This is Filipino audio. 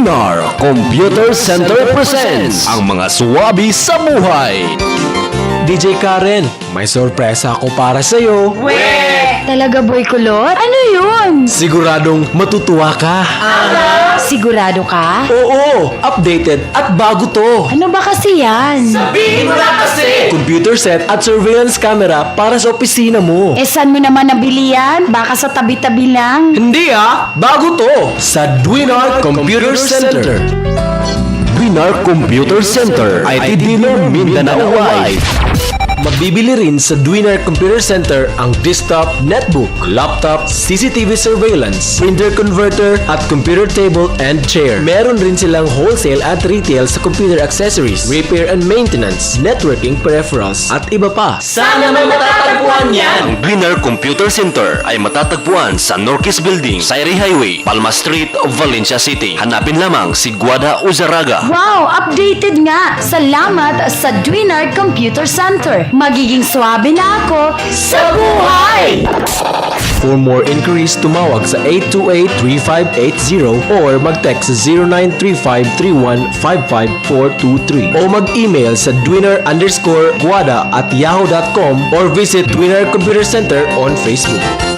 Dwinar Computer Center presents ang mga suwabi sa buhay. DJ Karen, may sorpresa ako para sa'yo. Talaga, Boy Kulot? Ano yun? Siguradong matutuwa ka. Sigurado ka? Oo, updated at bago to. Ano ba kasi yan? Computer set at surveillance camera para sa opisina mo. Eh, saan mo naman nabili yan? Baka sa tabi-tabi lang. Hindi bago to. Sa Dwinar Computer Center. Dwinar Computer Center, IT Dealer Mindanao Wide. Mabibili rin sa Dwinar Computer Center ang desktop, netbook, laptop, CCTV surveillance, printer converter, at computer table and chair. Meron rin silang wholesale at retail sa computer accessories, repair and maintenance, networking peripherals, at iba pa. Sana may matatagpuan yan! Ang Dwinar Computer Center ay matatagpuan sa Norquist Building, Sairi Highway, Palma Street, Valencia City. Hanapin lamang si Guada Uzaraga. Wow! Updated nga! Salamat sa Dwinar Computer Center. Magiging swabe na ako sa buhay! For more inquiries, tumawag sa 828-3580 or mag-text sa 0935-3155-423 o mag-email sa dwinar_guada@yahoo.com or visit Dwinar Computer Center on Facebook.